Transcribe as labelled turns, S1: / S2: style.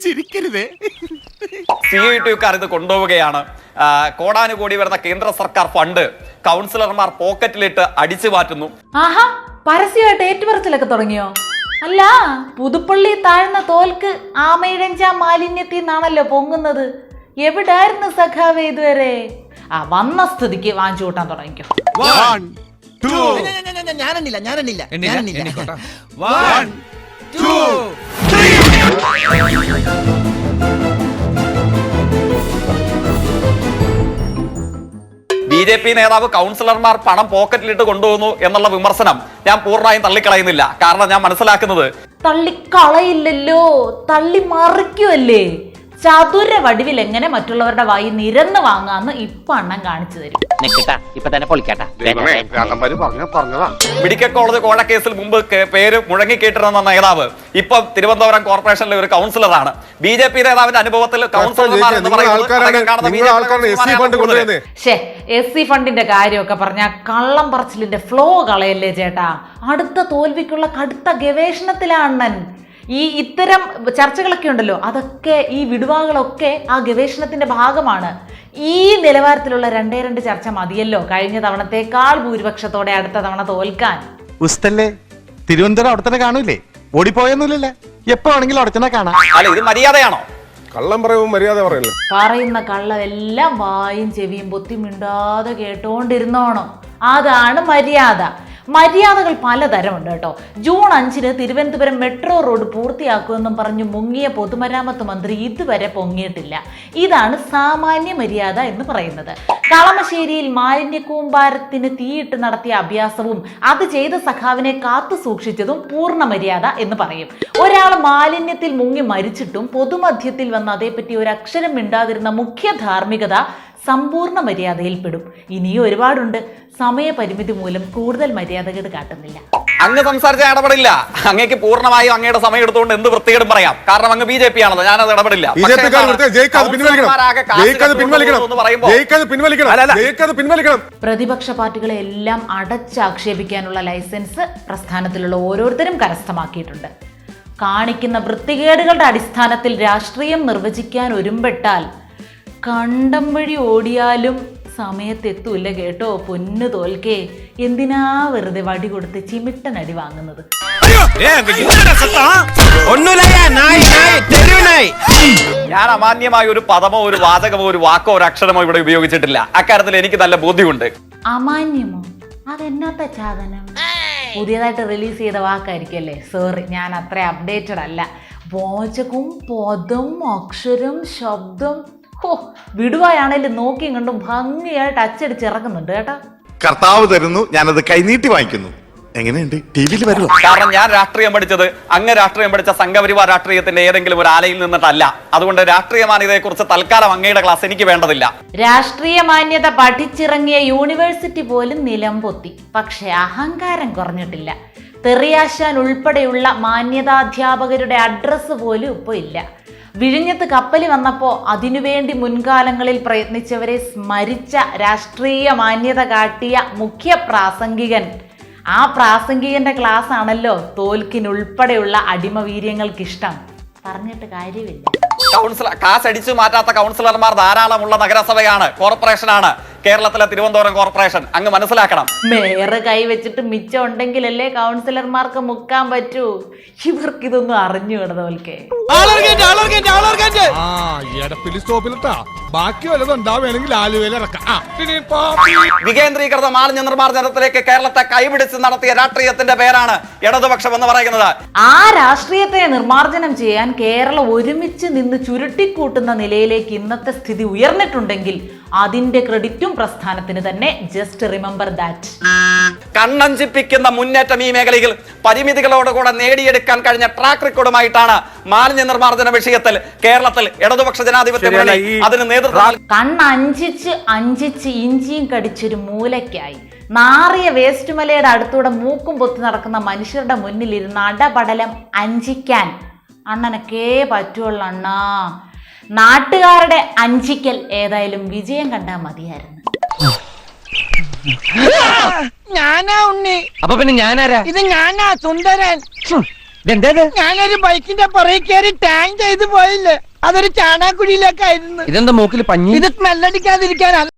S1: ചിരിക്കരുതേ.
S2: CITUക്കാർ ഇത് കൊണ്ടുപോവുകയാണ്. കോടാനുകോടി വരുന്ന കേന്ദ്ര സർക്കാർ ഫണ്ട് കൗൺസിലർമാർ പോക്കറ്റിലിട്ട് അടിച്ചു മാറ്റുന്നു.
S3: ആഹാ, പരസ്യമായിട്ട് ഏറ്റുപറച്ചിലൊക്കെ തുടങ്ങിയോ? അല്ല, പുതുപ്പള്ളി താഴ്ന്ന തോൽക്ക് ആമയിഴഞ്ച മാലിന്യത്തിൽ നിന്നാണല്ലോ പൊങ്ങുന്നത്. എവിടായിരുന്നു സഖാവേ ഇതുവരെ? വന്ന സ്ഥിതിക്ക് വാങ്ങിച്ചു കൂട്ടാൻ തുടങ്ങിക്കോ.
S1: 1 2
S4: ഞാനെണ്ണില്ല
S1: 1 2
S2: BJP നേതാവ് കൗൺസിലർമാർ പണം പോക്കറ്റിലിട്ട് കൊണ്ടുപോകുന്നു എന്നുള്ള വിമർശനം ഞാൻ പൂർണ്ണമായും തള്ളിക്കളയുന്നില്ല. കാരണം ഞാൻ മനസ്സിലാക്കുന്നത്
S3: തള്ളിക്കളയില്ലല്ലോ, തള്ളി മറിക്കുമല്ലേ. ചതുര വടിവിൽ എങ്ങനെ മറ്റുള്ളവരുടെ വായി നിരന്ന് വാങ്ങാന്ന് ഇപ്പൊ അണ്ണൻ കാണിച്ചു തരും.
S2: മെഡിക്കൽ കോളേജ് കോഴക്കേസിൽ മുമ്പ് പേര് മുഴങ്ങിക്കേട്ടിരുന്ന നേതാവ് ഇപ്പം തിരുവനന്തപുരം കോർപ്പറേഷനിലെ ഒരു കൗൺസിലറാണ്. BJP നേതാവിന്റെ അനുഭവത്തിൽ കൗൺസിലർമാർ എന്ന് പറയുന്നത്
S3: SC ഫണ്ടിന്റെ കാര്യമൊക്കെ പറഞ്ഞ കള്ളം പറച്ചിലിന്റെ ഫ്ലോ കളയല്ലേ ചേട്ടാ. അടുത്ത തോൽവിക്കുള്ള കടുത്ത ഗവേഷണത്തിലാണ് അണ്ണൻ. ഇത്തരം ചർച്ചകളൊക്കെ ഉണ്ടല്ലോ, അതൊക്കെ ഈ വിടുവാകളൊക്കെ ആ ഗവേഷണത്തിന്റെ ഭാഗമാണ്. ഈ നിലവാരത്തിലുള്ള 2 ചർച്ച മതിയല്ലോ കഴിഞ്ഞ തവണത്തേക്കാൾ ഭൂരിപക്ഷത്തോടെ അടുത്ത തവണ തോൽക്കാൻ.
S1: ഉസ്തല്ലേ, തിരുവനന്തപുരം അവിടെ തന്നെ കാണൂലേ? ഓടിപ്പോയൊന്നുമില്ലല്ലേ? എപ്പോ ആണെങ്കിലും അവിടെ തന്നെ കാണാം.
S2: അല്ല, ഇത് മര്യാദയാണോ?
S5: കള്ളം പറയുമ്പോൾ മര്യാദ പറയല്ലോ.
S3: പറയുന്ന കള്ളമെല്ലാം വായും ചെവിയും പൊത്തി മിണ്ടാതെ കേട്ടോണ്ടിരുന്നോണം. അതാണ് മര്യാദ. മര്യാദകൾ പലതരമുണ്ട് കേട്ടോ. ജൂൺ 5 തിരുവനന്തപുരം മെട്രോ റോഡ് പൂർത്തിയാക്കുമെന്നും പറഞ്ഞു മുങ്ങിയ പൊതുമരാമത്ത് മന്ത്രി ഇതുവരെ പൊങ്ങിയിട്ടില്ല. ഇതാണ് സാമാന്യ മര്യാദ എന്ന് പറയുന്നത്. കളമശ്ശേരിയിൽ മാലിന്യ കൂമ്പാരത്തിന് തീയിട്ട് നടത്തിയ അഭ്യാസവും അത് ചെയ്ത സഖാവിനെ കാത്തു സൂക്ഷിച്ചതും പൂർണ്ണ മര്യാദ എന്ന് പറയും. ഒരാൾ മാലിന്യത്തിൽ മുങ്ങി മരിച്ചിട്ടും പൊതുമധ്യത്തിൽ വന്ന് അതേപ്പറ്റി ഒരു അക്ഷരം മിണ്ടാതിരുന്ന മുഖ്യ ധാർമ്മികത സമ്പൂർണ്ണ മര്യാദയിൽപ്പെടും. ഇനിയും ഒരുപാടുണ്ട്. സമയപരിമിതി മൂലം കൂടുതൽ മര്യാദകേട് കാട്ടുന്നില്ല.
S2: അങ്ങ് സംസാരിച്ച ഇടപെടില്ല. അങ്ങേക്ക് പൂർണ്ണമായും അങ്ങയുടെ സമയം എടുത്തുകൊണ്ട് എന്ത് വൃത്തികേടും പറയാം. കാരണം അങ്ങ് BJP ആണല്ലോ, ഞാനത് ഇടപെടില്ല.
S3: പ്രതിപക്ഷ പാർട്ടികളെ എല്ലാം അടച്ചാക്ഷേപിക്കാനുള്ള ലൈസൻസ് പ്രസ്ഥാനത്തിലുള്ള ഓരോരുത്തരും കരസ്ഥമാക്കിയിട്ടുണ്ട്. കാണിക്കുന്ന വൃത്തികേടുകളുടെ അടിസ്ഥാനത്തിൽ രാഷ്ട്രീയം നിർവചിക്കാൻ ഒരുമ്പെട്ടാൽ കണ്ടം വഴി ഓടിയാലും സമയത്തെത്തൂല്ല കേട്ടോ പൊന്നു തോൽക്കേ. എന്തിനാ വെറുതെ വടി കൊടുത്ത് ചിമിട്ടനടി വാങ്ങുന്നത്?
S2: ഞാൻ അമാന്യമായ ഒരു പദമോ ഒരു വാചകമോ ഒരു വാക്കോ ഒരു അക്ഷരമോ ഇവിടെ ഉപയോഗിച്ചിട്ടില്ല. അക്കാര്യത്തിൽ എനിക്ക് നല്ല ബോധ്യമുണ്ട്.
S3: അമാന്യമോ? അതെന്നാത്ത സാധനം? പുതിയതായിട്ട് റിലീസ് ചെയ്ത വാക്കായിരിക്കല്ലേ? സോറി, ഞാൻ അത്ര അപ്ഡേറ്റഡ് അല്ല. വാചകവും പദം അക്ഷരം ശബ്ദം വിടുവായാണേലും നോക്കിയും കണ്ടും ഭംഗിയായിട്ട് അച്ചടിച്ചിറക്കുന്നുണ്ട് കേട്ടോ.
S6: കർത്താവ് തരുന്നു, ഞാനത് കൈനീട്ടി വാങ്ങിക്കുന്നു. എങ്ങനെയുണ്ട്? ടിവിയിൽ വരുമോ?
S2: കാരണം ഞാൻ രാഷ്ട്രീയം പഠിച്ചത് അങ്ങ് രാഷ്ട്രീയം പഠിച്ച സംഘപരിവാർ രാഷ്ട്രീയത്തിന്റെ ഏതെങ്കിലും ഒരു ആലയിൽ നിന്നിട്ടല്ല. അതുകൊണ്ട് രാഷ്ട്രീയ മാന്യതയെ കുറിച്ച് തൽക്കാലം അങ്ങയുടെ ക്ലാസ് എനിക്ക് വേണ്ടതില്ല.
S3: രാഷ്ട്രീയ മാന്യത പഠിച്ചിറങ്ങിയ യൂണിവേഴ്സിറ്റി പോലും നിലം പൊത്തി. പക്ഷെ അഹങ്കാരം കുറഞ്ഞിട്ടില്ല. തെറിയാശാൻ ഉൾപ്പെടെയുള്ള മാന്യതാധ്യാപകരുടെ അഡ്രസ്സ് പോലും ഇപ്പൊ ഇല്ല. വിഴിഞ്ഞത്ത് കപ്പല് വന്നപ്പോൾ അതിനുവേണ്ടി മുൻകാലങ്ങളിൽ പ്രയത്നിച്ചവരെ സ്മരിച്ച രാഷ്ട്രീയ മാന്യത കാട്ടിയ മുഖ്യ പ്രാസംഗികൻ. ആ പ്രാസംഗികന്റെ ക്ലാസ് ആണല്ലോ തോൽക്കിനുൾപ്പെടെയുള്ള അടിമവീര്യങ്ങൾക്കിഷ്ടം. പറഞ്ഞിട്ട് കാര്യമില്ല.
S2: കാശ് അടിച്ചു മാറ്റാത്ത കൗൺസിലർമാർ ധാരാളമുള്ള നഗരസഭയാണ്, കോർപ്പറേഷനാണ് കേരളത്തിലെ തിരുവനന്തപുരം കോർപ്പറേഷൻ. അങ്ങ് മനസ്സിലാക്കണം.
S3: മേയർ കൈവച്ചിട്ട് മിച്ചം ഉണ്ടെങ്കിലല്ലേ കൗൺസിലർമാർക്ക് മുക്കാൻ പറ്റൂ. ഇവർക്കിതൊന്നും അറിഞ്ഞു കിടന്നോൽക്കേ.
S2: വികേന്ദ്രീകൃത മാലിന്യ നിർമ്മാർജ്ജനത്തിലേക്ക് കേരളത്തെ കൈപിടിച്ച് നടത്തിയ രാഷ്ട്രീയത്തിന്റെ പേരാണ് ഇടതുപക്ഷം എന്ന് പറയുന്നത്.
S3: ആ രാഷ്ട്രീയത്തെ നിർമ്മാർജ്ജനം ചെയ്യാൻ കേരളം ഒരുമിച്ച് നിന്ന് ചുരുട്ടിക്കൂട്ടുന്ന നിലയിലേക്ക് ഇന്നത്തെ സ്ഥിതി ഉയർന്നിട്ടുണ്ടെങ്കിൽ അതിന്റെ ക്രെഡിറ്റും പ്രസ്ഥാനത്തിന് തന്നെ. Just remember that.
S2: കണ്ണഞ്ചിപ്പിക്കുന്ന മുന്നേറ്റം ഈ മേഖലയിൽ പരിമിതികളോടുകൂടെ നേടിയെടുക്കാൻ കഴിഞ്ഞ ട്രാക്ക് റെക്കോർഡുമായിട്ടാണ് മാലിന്യ നിർമ്മാർജ്ജന വിഷയത്തിൽ കേരളത്തിൽ ഇടതുപക്ഷ ജനാധിപത്യ മുന്നണി അതിന് നേതൃത്വം.
S3: അഞ്ചിച്ച് ഇഞ്ചിയും കടിച്ചൊരു മൂലയ്ക്കായി നാറിയ വേസ്റ്റ് മലയുടെ അടുത്തൂടെ മൂക്കും പൊത്തി നടക്കുന്ന മനുഷ്യരുടെ മുന്നിൽ ഇരുന്ന് അടപടലം അഞ്ചിക്കാൻ അണ്ണനൊക്കെ പറ്റുള്ളൂ അണ്ണാ. നാട്ടുകാരുടെ അഞ്ചിക്കൽ ഏതായാലും വിജയം കണ്ടാൽ മതിയായിരുന്നു.
S4: ഞാനാ ഉണ്ണി.
S7: അപ്പൊ പിന്നെ ഞാനാരാ?
S4: ഇത് ഞാനാ സുന്ദരൻ. ഞാനൊരു ബൈക്കിന്റെ പുറകെ കയറി ടാങ്ക് ചെയ്ത് പോയില്ലേ, അതൊരു ചാണാക്കുഴിയിലേക്കായിരുന്നു.
S7: ഇതെന്താ മൂക്കിൽ പഞ്ഞി?
S4: ഇത് സ്മെല്ലടിക്കാതിരിക്കാനാണ്.